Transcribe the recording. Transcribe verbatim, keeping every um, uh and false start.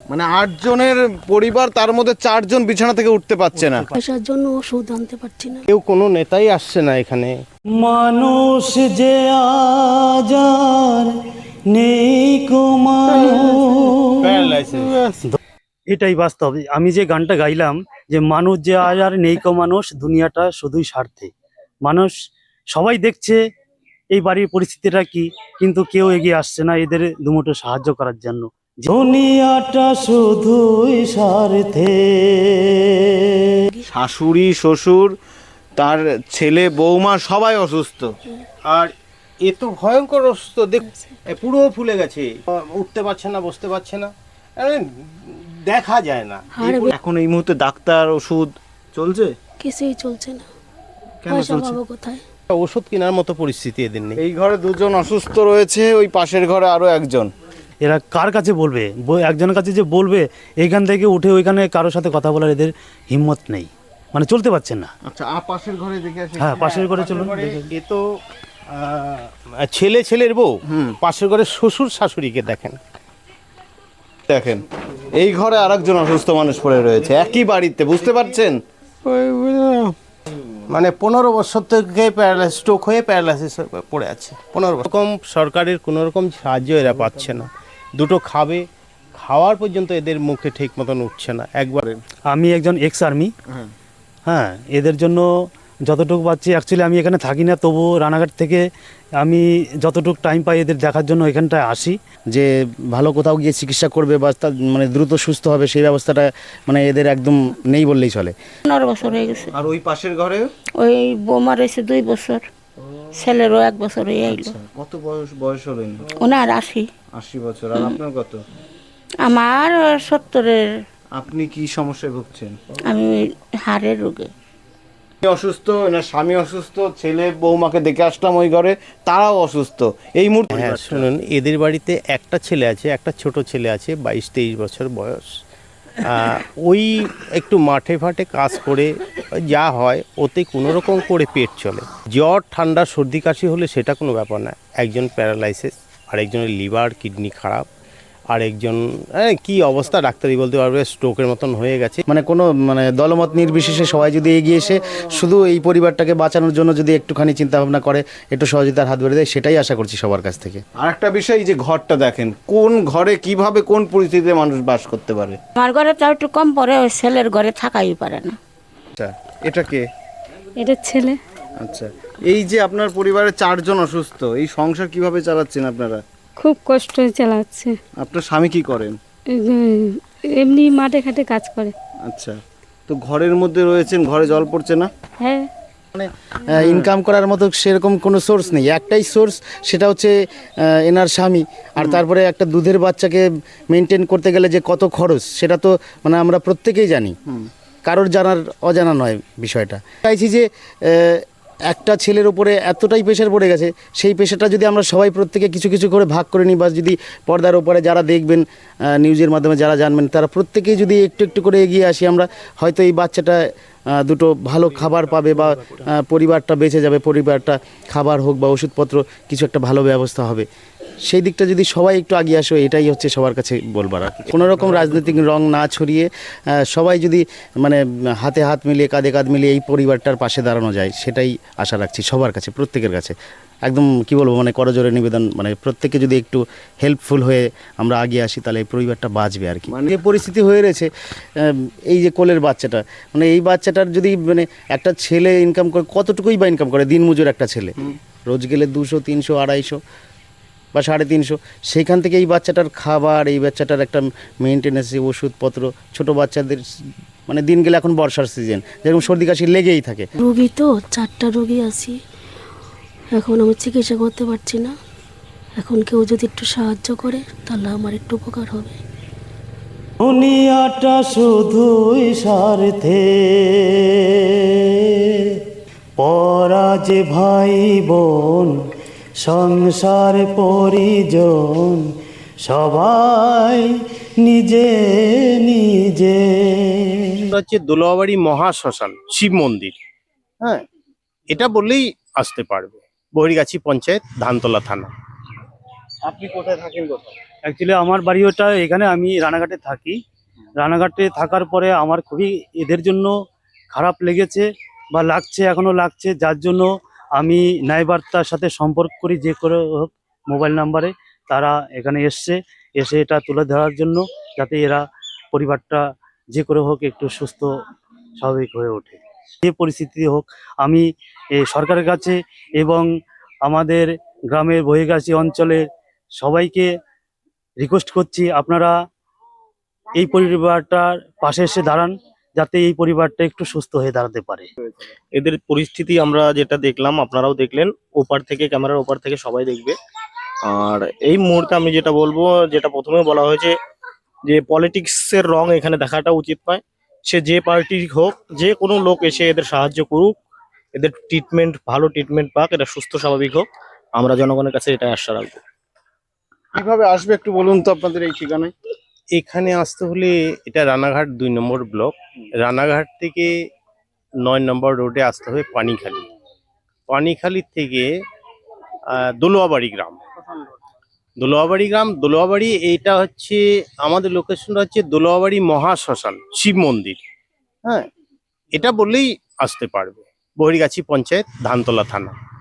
মানে আট জনের পরিবার, তার মধ্যে চারজন বিছানা থেকে উঠতে পারছে না। পয়সার জন্য ওষুধ আনতে পারছি না। কেউ কোনো নেতাই আসছে না এখানে। মানুষ যে আজ আর নেই কো মানুষ, এটাই বাস্তব। আমি যে গানটা গাইলাম যে মানুষ যে আজ আর নেই কো মানুষ, দুনিয়াটা শুধুই স্বার্থে। মানুষ সবাই দেখছে এই বাড়ির পরিস্থিতিটা কি, কিন্তু কেউ এগিয়ে আসছে না এদের দুমুঠো সাহায্য করার জন্য। দুনিয়াটা শুধুই স্বার্থে। শাশুড়ি, শ্বশুর, তার ছেলে, বৌমা সবাই অসুস্থ। আর এ তো ভয়ঙ্কর অসুস্থ, দেখ এ পুরো ফুলে গেছে, উঠতে পারছে না, বসতে পারছে না, আরে দেখা যায় না। এখন এই মুহূর্তে ডাক্তার, ওষুধ চলছে? কিছুই চলছে না। কেন পয়সা চলছে? পাবো কোথায়? ওষুধ কেনার মতো পরিস্থিতি এদের নেই। এই ঘরে দুজন অসুস্থ রয়েছে, ওই পাশের ঘরে আরো একজন। এরা কার কাছে বলবে? ব- একজনের কাছে যে বলবে এইখান থেকে উঠে ওইখানে কারোর সাথে কথা বলার এদের হিম্মত নেই, মানে চলতে পারছেন না। আচ্ছা, আ পাশের ঘরে দেখে আসি। হ্যাঁ, পাশের ঘরে চলুন। এ তো আহ, ছেলে ছেলের বউ, পাশের ঘরে শ্বশুর শাশুড়িকে দেখেন। দেখেন, এই ঘরে আরেকজন অসুস্থ মানুষ পড়ে রয়েছে একই বাড়িতে, বুঝতে পারছেন? মানে পনেরো বছর থেকে প্যারালাইসিস, স্ট্রোক হয়ে প্যারালাইসিস পড়ে আছে। পনেরো রকম সরকারের কোনো রকম সাহায্য এরা পাচ্ছে না। দুটো খাবে, খাওয়ার পর্যন্ত এদের মুখে ঠিক মতন উঠছে না একবারে। আমি একজন এক্স আর্মি, হ্যাঁ, এদের জন্য যতটুকু পাচ্ছি, অ্যাকচুয়ালি আমি এখানে থাকি না, তবুও রানাঘাট থেকে আমি যতটুকু টাইম পাই এদের দেখার জন্য এখানটায় আসি। যে ভালো কোথাও গিয়ে চিকিৎসা করবে বা তার মানে দ্রুত সুস্থ হবে, সেই ব্যবস্থাটা মানে এদের একদম নেই বললেই চলে। পনেরো বছর হয়ে গেছে। আর ওই পাশের ঘরে ওই বৌমা রয়েছে দুই বছর, ছেলেরও এক বছর হয়ে আইলো। কত বয়স বয়স হলেন? ওনার আশি। আশি বছর। আর আপনার কত? আমার সত্তরের। আপনি কি সমস্যায় ভুগছেন? আমি হাড়ের রোগে। অসুস্থ, না স্বামী অসুস্থ, ছেলে বৌমাকে দেখে আসলাম ওই ঘরে, তারাও অসুস্থ এই মুহূর্তে। হ্যাঁ শুনুন, এদের বাড়িতে একটা ছেলে আছে, একটা ছোট ছেলে আছে, বাইশ তেইশ বছর বয়স। আহ, ওই একটু মাঠে ফাটে কাজ করে যা হয় ওতে কোনো রকম করে পেট চলে। জ্বর, ঠান্ডা, সর্দি, কাশি হলে সেটা কোনো ব্যাপার না। একজন প্যারালাইসিস, আরেকজনের লিভার, কিডনি খারাপ, আরেকজন কি অবস্থা ডাক্তারই বলতে পারবে, স্ট্রোকের মতন হয়ে গেছে। মানে কোনো মানে দলমত নির্বিশেষে সবাই যদি এগিয়ে এসে শুধু এই পরিবারটাকে বাঁচানোর জন্য যদি একটুখানি চিন্তা ভাবনা করে, একটু সহযোগিতার হাত বেড়ে দেয়, সেটাই আশা করছি সবার কাছ থেকে। আর একটা বিষয়, এই যে ঘরটা দেখেন, কোন ঘরে কিভাবে কোন পরিস্থিতিতে মানুষ বাস করতে পারে। আমার ঘরে তো একটু কম পরে, ওই ছেলের ঘরে থাকাই পারে না। আচ্ছা, এটা কে? এটা ছেলে। আচ্ছা, এই যে আপনার পরিবারে চারজন অসুস্থ, এই সংসার কিভাবে চালাচ্ছেন আপনারা? খুব কষ্ট চালাচ্ছে। আপনার স্বামী কি করেন? এমনি মাঠে ঘাটে কাজ করে। আচ্ছা, তো ঘরের মধ্যে রয়েছেন, ঘরে জল পড়ছে না? হ্যাঁ, মানে ইনকাম করার মতো সেরকম কোনো সোর্স নেই, একটাই সোর্স, সেটা হচ্ছে আহ, এনার স্বামী। আর তারপরে একটা দুধের বাচ্চাকে মেনটেন করতে গেলে যে কত খরচ, সেটা তো মানে আমরা প্রত্যেকেই জানি, কারোর জানার অজানা নয় বিষয়টা। চাইছি যে আহ, একটা ছেলের উপরে এতটাই প্রেশার পড়ে গেছে, সেই প্রেশারটা যদি আমরা সবাই প্রত্যেকে কিছু কিছু করে ভাগ করে নিই, বা যদি পর্দার উপরে যারা দেখবেন, আহ, নিউজের মাধ্যমে যারা জানবেন, তারা প্রত্যেকেই যদি একটু একটু করে এগিয়ে আসি, আমরা হয়তো এই বাচ্চাটা আহ, দুটো ভালো খাবার পাবে, বা আহ, পরিবারটা বেঁচে যাবে, পরিবারটা খাবার হোক বা ওষুধপত্র কিছু একটা ভালো ব্যবস্থা হবে। সেই দিকটা যদি সবাই একটু এগিয়ে আসে, এটাই হচ্ছে সবার কাছে বলবার। আর কোনো রকম রাজনৈতিক রং না ছড়িয়ে আহ, সবাই যদি মানে হাতে হাত মিলিয়ে, কাঁধে কাঁধ মিলিয়ে এই পরিবারটার পাশে দাঁড়ানো যায়, সেটাই আশা রাখছি সবার কাছে, প্রত্যেকের কাছে। একদম কি বলবো, মানে করজোরে নিবেদন, মানে প্রত্যেকে যদি একটু হেল্পফুল হয়ে আমরা এগিয়ে আসি, তাহলে এই পরিবারটা বাঁচবে আর কি। মানে যে পরিস্থিতি হয়ে রয়েছে, আহ, এই যে কোলের বাচ্চাটা, মানে এই বাচ্চাটার যদি মানে একটা ছেলে ইনকাম করে, কতটুকুই বা ইনকাম করে, দিনমজুর একটা ছেলে, রোজ গেলে দুশো তিনশো আড়াইশো বা সাড়ে তিনশো, সেইখান থেকে এই বাচ্চাটার খাবার, এই বাচ্চাটার একটা মেনটেন্যান্স, ওষুধপত্র, ছোটো বাচ্চাদের মানে দিন গেলে এখন বর্ষার সিজন, যেরকম সর্দি কাশি লেগেই থাকে। রোগী তো চারটা রোগী আছি, এখন আমি চিকিৎসা করতে পারছি না। এখন কেউ যদি একটু সাহায্য করে, তাহলে আমার একটু উপকার হবে। দুনিয়াটা শুধুই স্বার্থে, পরা যে ভাই বোন, সংসার পরিজন, সবাই নিজে নিজে। হচ্ছে দোলাবাড়ি মহাশ্মশান শিব মন্দির। হ্যাঁ, এটা বললেই আসতে পারবে। বহিরগাছি পঞ্চায়েত, ধানতলা থানা। আপনি কোথায় থাকেন? কোথায়? অ্যাকচুয়ালি আমার বাড়ি ওটা এখানে, আমি রানাঘাটে থাকি। রানাঘাটে থাকার পরে আমার খুবই এদের জন্য খারাপ লেগেছে বা লাগছে, এখনো লাগছে, যার জন্য আমি ন্যায়বার্তার সাথে সম্পর্ক করি, যে করে হোক মোবাইল নাম্বারে। তারা এখানে এসছে, এসে এটা তুলে ধরার জন্য, যাতে এরা পরিবারটা যে করে হোক একটু সুস্থ স্বাভাবিক হয়ে ওঠে। যে পরিস্থিতি হোক, আমি এ, সরকারের কাছে এবং আমাদের গ্রামের বহির্গাছী অঞ্চলের সবাইকে রিকোয়েস্ট করছি, আপনারা এই পরিবারটার পাশে এসে দাঁড়ান, যাতে এই পরিবারটা একটু সুস্থ হয়ে দাঁড়াতে পারে। এদের পরিস্থিতি আমরা যেটা দেখলাম, আপনারাও দেখলেন, ওপার থেকে, ক্যামেরার ওপার থেকে সবাই দেখবে। আর এই মুহূর্তে আমি যেটা বলবো, যেটা প্রথমে বলা হয়েছে যে পলিটিক্সের রং এখানে দেখাটা উচিত নয়। সে যে পার্টির হোক, যে কোনো লোক এসে এদের সাহায্য করুক, এদের ট্রিটমেন্ট, ভালো ট্রিটমেন্ট পাক, এটা সুস্থ স্বাভাবিক হোক, আমরা জনগণের কাছে এটা আশা রাখবো। কিভাবে আসবে একটু বলুন তো আপনাদের এই ঠিকানায়। এখানে আসতে হলে, এটা রানাঘাট দুই নম্বর ব্লক, রানাঘাট থেকে নয় নম্বর রোডে আসতে হবে পানিখালি। পানিখালি থেকে আহ, দোলোয়াবাড়ি গ্রাম, দোলোয়াবাড়ি গ্রাম দোলোয়াবাড়ি এইটা হচ্ছে আমাদের লোকেশনটা হচ্ছে দোলোয়াবাড়ি মহাশ্মশান শিব মন্দির। হ্যাঁ, এটা বললেই আসতে পারবে। বহির্গাছি পঞ্চায়েত, ধানতলা থানা।